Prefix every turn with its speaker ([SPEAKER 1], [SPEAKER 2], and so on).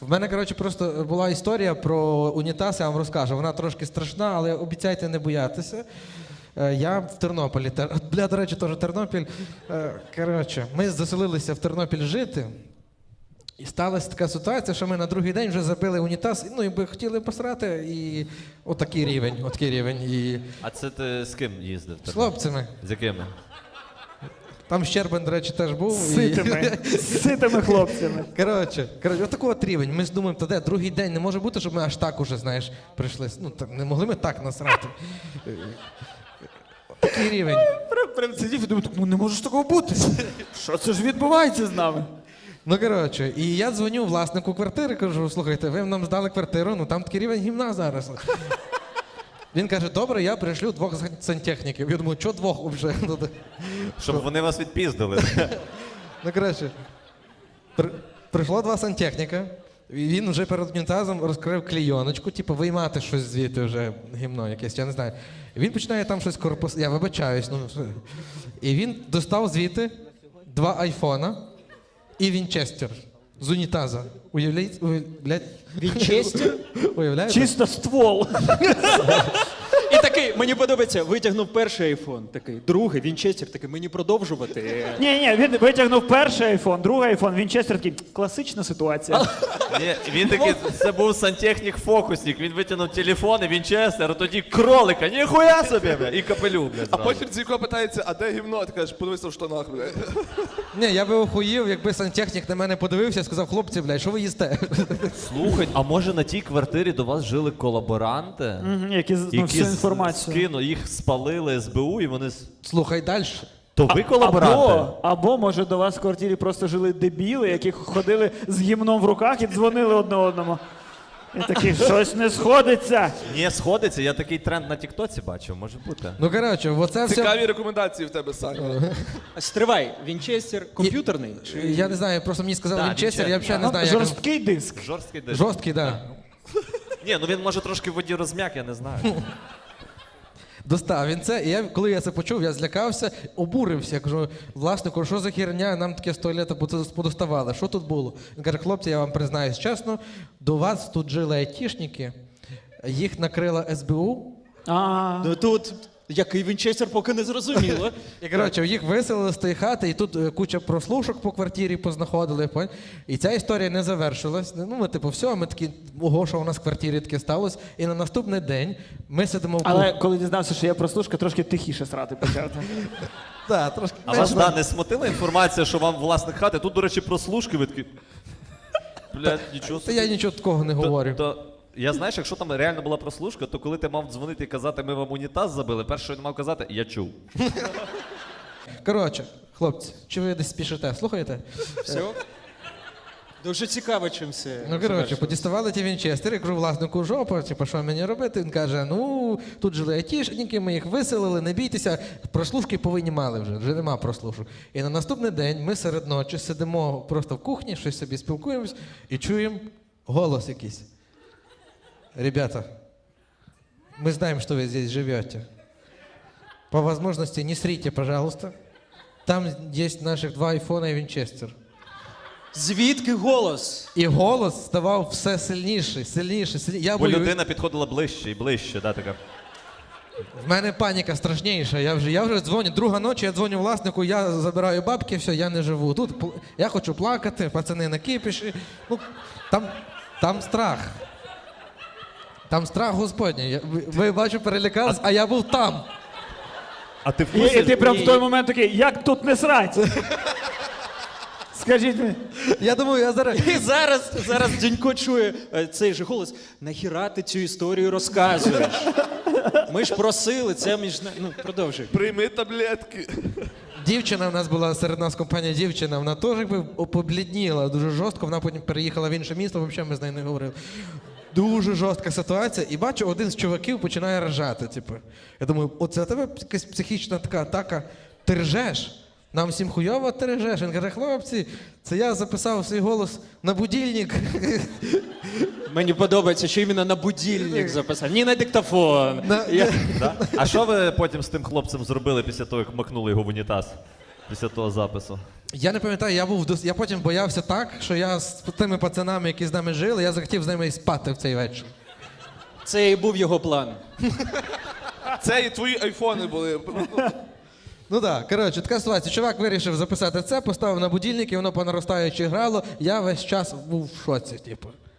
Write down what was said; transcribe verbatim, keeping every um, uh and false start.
[SPEAKER 1] В мене, коротше, просто була історія про унітаз, я вам розкажу. Вона трошки страшна, але обіцяйте не боятися. Е, Я в Тернополі. Тер- Бля, до речі, теж Тернопіль. Е, Коротше, ми заселилися в Тернопіль жити. І сталася така ситуація, що ми на другий день вже забили унітаз, ну, якби хотіли посрати, і отакий рівень, отакий рівень. І
[SPEAKER 2] А це ти з ким їздив?
[SPEAKER 1] з хлопцями.
[SPEAKER 2] З якими?
[SPEAKER 1] Там Щербин, до речі, теж був.
[SPEAKER 3] З ситими, з ситими хлопцями.
[SPEAKER 1] Коротше, коротше, отакий от рівень. Ми ж думаємо, та де, другий день не може бути, щоб ми аж так уже, знаєш, прийшли. Ну, так, не могли ми так насрати. Такий рівень.
[SPEAKER 3] Прям, прям сидів і думав, ну не може ж такого бути. Що це ж відбувається з нами?
[SPEAKER 1] Ну, коротше, і я дзвоню власнику квартири, кажу, слухайте, ви нам здали квартиру, ну там такий рівень гімна зараз. Він каже, добре, я пришлю двох сантехніків. Я думаю, що двох вже?
[SPEAKER 2] Щоб вони вас відпіздили.
[SPEAKER 1] Ну, коротше, при, прийшло два сантехніка, і він вже перед унітазом розкрив клійоночку, типу, виймати щось звідти вже, гімно якесь, я не знаю. І він починає там щось корпус... Я вибачаюсь, ну... І він достав звідти два айфона і вінчестер з унітаза. Уявляєте? Уявляєте?
[SPEAKER 4] Вінчестер?
[SPEAKER 1] Уявляєте?
[SPEAKER 3] Чисто ствол.
[SPEAKER 4] І такий, мені подобається, витягнув перший айфон, такий, другий, Вінчестер, такий, мені продовжувати.
[SPEAKER 3] Ні, ні, він витягнув перший айфон, другий айфон, Вінчестер такий, класична ситуація.
[SPEAKER 2] Ні, він такий, це був сантехнік-фокусник, він витягнув телефон і Вінчестер, а тоді кролика, ніхуя собі, бля, і капелюх, бля,
[SPEAKER 5] А
[SPEAKER 2] зразу.
[SPEAKER 5] потім Дзіко питається, а де гімно? Ти кажеш, подивися в штанах, блядь.
[SPEAKER 1] Ні, я би охуїв, якби сантехнік на мене подивився і сказав, хлопці, блядь, що ви їсте?
[SPEAKER 2] Слухай, а може на тій квартирі до вас жили колаборанти?
[SPEAKER 3] Мгм, Які ну, всю інформацію.
[SPEAKER 2] скину, їх спалили ес бе у і вони... с-
[SPEAKER 1] Слухай далі.
[SPEAKER 2] То ви колаборанти?
[SPEAKER 3] Або, або, може, до вас в квартирі просто жили дебіли, які ходили з гімном в руках і дзвонили одне одному. І такі, щось не сходиться.
[SPEAKER 2] Ні, сходиться, я такий тренд на тіктоці бачив, може бути.
[SPEAKER 1] Ну, коротше, оце все...
[SPEAKER 5] Цікаві рекомендації в тебе, Саня.
[SPEAKER 4] Стривай, Вінчестер комп'ютерний? Чи...
[SPEAKER 1] Я не знаю, просто мені сказали
[SPEAKER 2] Да,
[SPEAKER 1] Вінчестер, я
[SPEAKER 2] Вінчестер.
[SPEAKER 1] взагалі не знаю, як... він-
[SPEAKER 3] Жорсткий диск.
[SPEAKER 2] Жорсткий диск.
[SPEAKER 1] Жорсткий, так. Да.
[SPEAKER 2] Ні, ну він може трошки в воді розм'як, я не знаю.
[SPEAKER 1] Достав він це, і я, коли я це почув, я злякався, обурився. Я кажу, власнику, що за херня, нам таке з туалета подоставали, що тут було? Він каже, хлопці, я вам признаюсь чесно, до вас тут жили айтішники, їх накрила ес бе у,
[SPEAKER 3] А,
[SPEAKER 4] Ну тут, який Вінчестер, поки не зрозуміло.
[SPEAKER 1] і, коротше, їх виселили з тієї хати, і тут е, куча прослушок по квартирі познаходили, пон- і ця історія не завершилась. Ну, ми, типу, все, ми такі, ого, що у нас в квартирі таке сталося, і на наступний день ми сидимо в
[SPEAKER 3] але
[SPEAKER 1] кухні.
[SPEAKER 3] коли дізнався, що я прослушка, трошки тихіше срати почав.
[SPEAKER 1] Да, трошки
[SPEAKER 2] А вас, да, не смутила інформація, що вам власник хати, тут, до речі, прослушки, ви такі... Блядь, нічого
[SPEAKER 1] Та
[SPEAKER 2] собі.
[SPEAKER 1] я нічого такого не
[SPEAKER 2] То-
[SPEAKER 1] говорю.
[SPEAKER 2] то- Я знаєш, якщо там реально була прослушка, то коли ти мав дзвонити і казати, ми вам унітаз забили, перше, що він мав казати, я чув.
[SPEAKER 1] Коротше, хлопці, чи ви десь спішите? Слухаєте?
[SPEAKER 4] Все? Дуже цікаво, чим все.
[SPEAKER 1] Ну, коротше,
[SPEAKER 4] завершилось.
[SPEAKER 1] подіставали ті вінчестери, я кажу, власнику жопа, типу, що мені робити? Він каже, ну, тут жили айтішники, ми їх виселили, не бійтеся, прослушки повинні мали вже, вже нема прослушок. І на наступний день ми серед ночі сидимо просто в кухні, щось собі спілкуємось і чуємо голос якийсь. Ребята, мы знаем, что вы здесь живете. По возможности не срите, пожалуйста. Там есть наших два айфона і Вінчестер.
[SPEAKER 4] Звідки голос?
[SPEAKER 1] І голос ставав все сильніший, сильніший, сильніший. Я
[SPEAKER 2] Бо
[SPEAKER 1] боюсь.
[SPEAKER 2] людина підходила ближче і ближче, да, така.
[SPEAKER 1] В мене паніка страшніша. Я вже, я вже дзвоню, друга ночі, я дзвоню власнику, я забираю бабки, все, я не живу. Тут пл- я хочу плакати, пацани на кипіші. Ну, там, там страх. Там страх Господній. Я- Ви, ви бачу, перелякались, а я був там.
[SPEAKER 2] А ти в
[SPEAKER 3] І, і
[SPEAKER 2] курсі?
[SPEAKER 3] ти прям в той момент такий, як тут не срать? Скажіть мені.
[SPEAKER 1] Я думаю, я зараз.
[SPEAKER 4] І зараз, зараз Дзінько чує е, цей же голос. Нахіра ти цю історію розказуєш? Ми ж просили, це між... на- Ну, продовжуй.
[SPEAKER 5] Прийми таблетки.
[SPEAKER 1] Дівчина в нас була серед нас компанія дівчина, вона теж якби поблідніла дуже жорстко, вона потім переїхала в інше місто, взагалі ми з нею не говорили. Дуже жорстка ситуація. І бачу, один з чуваків починає ржати. Типу. Я думаю, оце у тебе якась психічна така атака. Ти ржеш? Нам всім хуйово ти ржеш. Він каже, хлопці, це я записав свій голос на будильник.
[SPEAKER 4] Мені подобається, що іменно на будильник записав. Ні на диктофон.
[SPEAKER 1] На-
[SPEAKER 4] Я...
[SPEAKER 2] Да? А що ви потім з тим хлопцем зробили після того, як макнули його в унітаз? Після того запису?
[SPEAKER 1] Я не пам'ятаю, я був дос- я потім боявся так, що я з тими пацанами, які з нами жили, я захотів з ними і спати в цей вечір.
[SPEAKER 4] Це і був його план.
[SPEAKER 5] Це і твої айфони були.
[SPEAKER 1] Ну так, коротше, така ситуація. Чувак вирішив записати це, поставив на будильник, і воно по наростаючій грало. Я весь час був в шоці, типу.